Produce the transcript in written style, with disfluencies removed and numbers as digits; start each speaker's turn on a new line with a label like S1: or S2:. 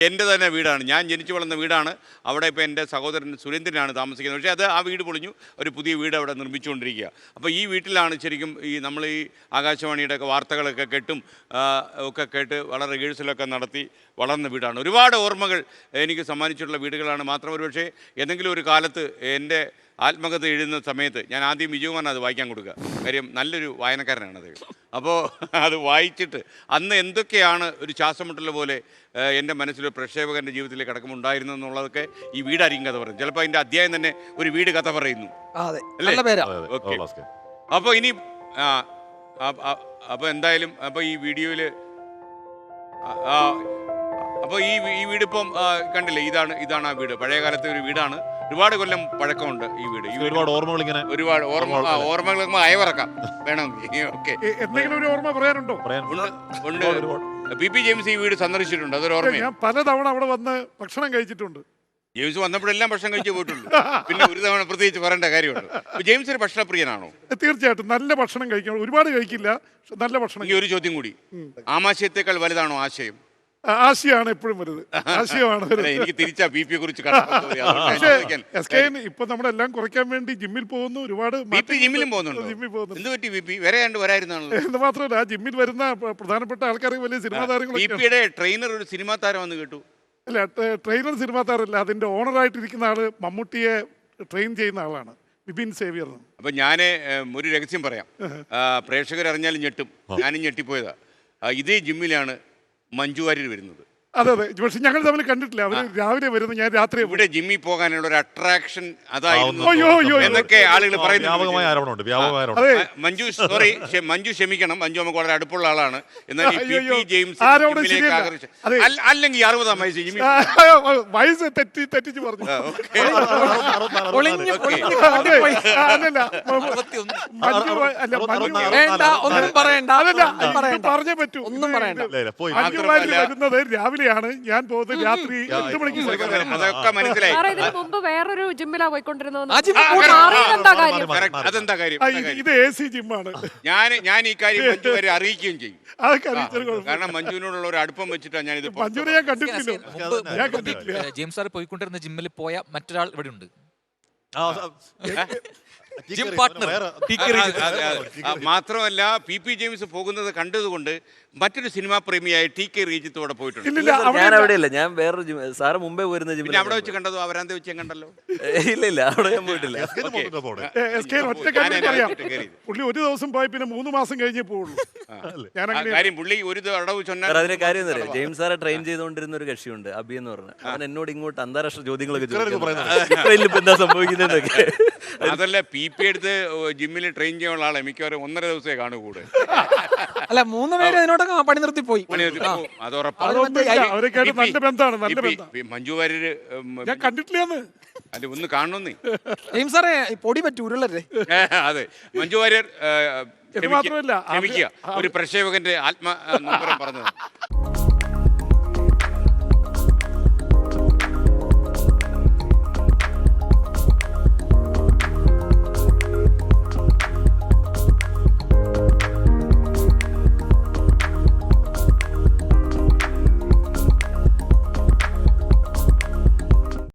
S1: എൻ്റെ തന്നെ വീടാണ്, ഞാൻ ജനിച്ചു വളർന്ന വീടാണ്. അവിടെ ഇപ്പോൾ എൻ്റെ സഹോദരൻ സുരേന്ദ്രനാണ് താമസിക്കുന്നത്. പക്ഷേ അത് ആ വീട് പൊളിഞ്ഞു, ഒരു പുതിയ വീട് അവിടെ നിർമ്മിച്ചുകൊണ്ടിരിക്കുക. അപ്പോൾ ഈ വീട്ടിലാണ് ശരിക്കും നമ്മൾ ഈ ആകാശവാണിയുടെ ഒക്കെ വാർത്തകളൊക്കെ ഒക്കെ കേട്ട് വളരെ റിഹേഴ്സലൊക്കെ നടത്തി വളർന്ന വീടാണ്. ഒരുപാട് ഓർമ്മകൾ എനിക്ക് സമ്മാനിച്ചിട്ടുള്ള വീടുകളാണ്. മാത്രം ഒരു പക്ഷേ എന്തെങ്കിലും ഒരു കാലത്ത് എൻ്റെ ആത്മകഥ എഴുതുന്ന സമയത്ത് ഞാൻ ആദ്യം വിജയകുമാറിന് അത് വായിക്കാൻ കൊടുക്കുക. കാര്യം നല്ലൊരു വായനക്കാരനാണത്. അപ്പോൾ അത് വായിച്ചിട്ട് അന്ന് എന്തൊക്കെയാണ് ഒരു ശ്വാസമുട്ടൽ പോലെ എൻ്റെ മനസ്സിലൊരു പ്രക്ഷേപകൻ്റെ ജീവിതത്തിലേക്ക് കടക്കുമുണ്ടായിരുന്നു എന്നുള്ളതൊക്കെ ഈ വീടായിരിക്കും കഥ പറയുന്നത്. ചിലപ്പോൾ അതിൻ്റെ അധ്യായം തന്നെ ഒരു വീട് കഥ പറയുന്നു അല്ലേ? ഓക്കെ. അപ്പോൾ ഇനി അപ്പോൾ എന്തായാലും അപ്പോൾ ഈ വീഡിയോയിൽ അപ്പോൾ ഈ വീടിപ്പം കണ്ടില്ലേ, ഇതാണ് ആ വീട്. പഴയ കാലത്തെ ഒരു വീടാണ്. ഒരുപാട് കൊല്ലം പഴക്കമുണ്ട് ഈ വീട്. ഒരുപാട് ഓർമ്മകൾ ഇങ്ങനെ ഓർമ്മകൾ അയവിറക്കാം വേണമെങ്കിൽ. ഓക്കെ,
S2: എന്തെങ്കിലും ഒരു ഓർമ്മ പറയാനുണ്ടോ?
S1: ഉണ്ട്. പി ജെയിംസ് ഈ വീട് സന്ദർശിച്ചിട്ടുണ്ട്. അതൊരു ഓർമ്മ.
S2: ഞാൻ പലതവണ അവിടെ വന്ന് ഭക്ഷണം കഴിച്ചിട്ടുണ്ട്.
S1: ജെയിംസ് വന്നപ്പോഴെല്ലാം ഭക്ഷണം കഴിച്ചു പോയിട്ടുള്ളൂ. പിന്നെ ഒരു തവണ പ്രത്യേകിച്ച് പറയേണ്ട കാര്യമുണ്ട്. ജെയിംസ് ഒരു ഭക്ഷണപ്രിയനാണോ?
S2: തീർച്ചയായിട്ടും നല്ല ഭക്ഷണം കഴിക്കണം. ഒരുപാട് കഴിക്കില്ല, നല്ല ഭക്ഷണം.
S1: ഈ ഒരു ചോദ്യം കൂടി, ആമാശയത്തെക്കാൾ വലുതാണോ ആശയം?
S2: ആശയാണ് എപ്പോഴും വരുന്നത്. ആശയമാണ്.
S1: എനിക്ക് തിരിച്ചാ ബി പിയെ കുറിച്ച്
S2: ഇപ്പൊ നമ്മളെല്ലാം കുറയ്ക്കാൻ വേണ്ടി ജിമ്മിൽ പോകുന്നു. ഒരുപാട്
S1: ജിമ്മിലും പോകുന്നുണ്ട്. എന്ത് പറ്റി ബി പി വരായിരുന്നാണല്ലോ?
S2: എന്ന് മാത്രമല്ല, ആ ജിമ്മിൽ വരുന്ന പ്രധാനപ്പെട്ട ആൾക്കാർക്ക് വലിയ സിനിമാ താരങ്ങൾ.
S1: ബി പിയുടെ ട്രെയിനർ ഒരു സിനിമാ താരമെന്ന് കേട്ടു.
S2: അല്ല, ട്രെയിനർ സിനിമാ താരമല്ല, അതിന്റെ ഓണറായിട്ടിരിക്കുന്ന ആള് മമ്മൂട്ടിയെ ട്രെയിൻ ചെയ്യുന്ന ആളാണ്, ബിപിൻ സേവ്യർ.
S1: അപ്പൊ ഞാൻ ഒരു രഹസ്യം പറയാം, പ്രേക്ഷകരറിഞ്ഞാലും ഞെട്ടും. ഞാനും ഞെട്ടിപ്പോയതാ. ഇതേ ജിമ്മിലാണ് മഞ്ജു വാര്യർ വരുന്നത്.
S2: അതെ, പക്ഷെ ഞങ്ങൾ തമ്മിൽ കണ്ടിട്ടില്ല. അവര് രാവിലെ വരുന്നു, ഞാൻ രാത്രി.
S1: ഇവിടെ ജിമ്മിൽ പോകാനുള്ള ഒരു അട്രാക്ഷൻ അതായിരുന്നു എന്നൊക്കെ ആളുകൾ പറയുന്നു. മഞ്ജു മഞ്ജു ക്ഷമിക്കണം, മഞ്ജു നമുക്ക് വളരെ അടുപ്പുള്ള ആളാണ്. എന്നാൽ അല്ലെങ്കിൽ 60-ആം വയസ്സ് ജിമ്മി
S2: വയസ്സ് തെറ്റിച്ച് പറഞ്ഞു. പറഞ്ഞേ പറ്റൂ. വരുന്നത് രാവിലെയാണ്, ഞാൻ പോകുന്നത് രാത്രി 8 മണിക്ക്.
S1: അതൊക്കെ മനസ്സിലായി.
S3: വേറൊരു ജിമ്മിലാ പോയിക്കൊണ്ടിരുന്നത്.
S1: അതെന്താ കാര്യം?
S2: ഇത് AC ജിമ്മാണ്.
S1: ഞാൻ ഈ കാര്യം മഞ്ജു വരെ അറിയിക്കുകയും ചെയ്യും. കാരണം മഞ്ജുവിനോടുള്ള ഒരു അടുപ്പം വെച്ചിട്ടാണ് ഞാൻ ഇത്.
S2: മഞ്ജുവിനെ ഞാൻ കണ്ടിട്ടില്ല.
S4: ജെയിംസ് സാർ പോയിക്കൊണ്ടിരുന്ന ജിമ്മിൽ പോയ മറ്റൊരാൾ ഇവിടെ ഉണ്ട്.
S1: മാത്രമല്ല, പി ജെയിംസ് പോകുന്നത് കണ്ടതുകൊണ്ട് മറ്റൊരു സിനിമാ പ്രേമിയായ TK റീജിത്തോടെ പോയിട്ടുണ്ട്.
S5: ഞാൻ അവിടെയല്ല, ഞാൻ വേറൊരു സാറ് മുമ്പേ പോയിരുന്ന ജിമ്മിൽ.
S1: അവിടെ വെച്ച് കണ്ടതോ? അവരാന്ത വെച്ച് കണ്ടല്ലോ.
S5: ഇല്ല, അവിടെ ഞാൻ പോയിട്ടില്ല.
S2: പുള്ളി ഒരു ദിവസം പോയി, പിന്നെ 3 മാസം കഴിഞ്ഞേ പോവുള്ളൂ.
S1: പുള്ളി ഒരു അടവ്
S5: അതിന്റെ കാര്യം എന്താ പറയുക, ജെയിംസ് സാറെ ട്രെയിൻ ചെയ്തുകൊണ്ടിരുന്ന ഒരു കക്ഷിയുണ്ട്, അബി എന്ന് പറഞ്ഞ. അവൻ എന്നോട് ഇങ്ങോട്ട് അന്താരാഷ്ട്ര ചോദ്യങ്ങളൊക്കെ എന്താ സംഭവിക്കുന്നതൊക്കെ.
S1: അതല്ല, പി എടുത്ത് ജിമ്മിൽ ട്രെയിൻ ചെയ്യാനുള്ള ആളെ മിക്കവാറും 1.5 ദിവസമേ കാണൂ കൂടെ.
S4: അല്ല, 3 പേര് അതിനോടൊക്കെ പണി നിർത്തി പോയി.
S1: അത് ഉറപ്പാണ്. മഞ്ജു വാര്യര്
S2: ഞാൻ കണ്ടിട്ടില്ല.
S1: അല്ല, ഒന്ന് കാണണമെന്നേ.
S4: ജെയിംസ് സാറേ പൊടി പറ്റൂരല്ലേ?
S1: അതെ, മഞ്ജു വാര്യർ ക്ഷമിക്കുക, ഒരു പ്രക്ഷേപകന്റെ ആത്മ പറഞ്ഞത്.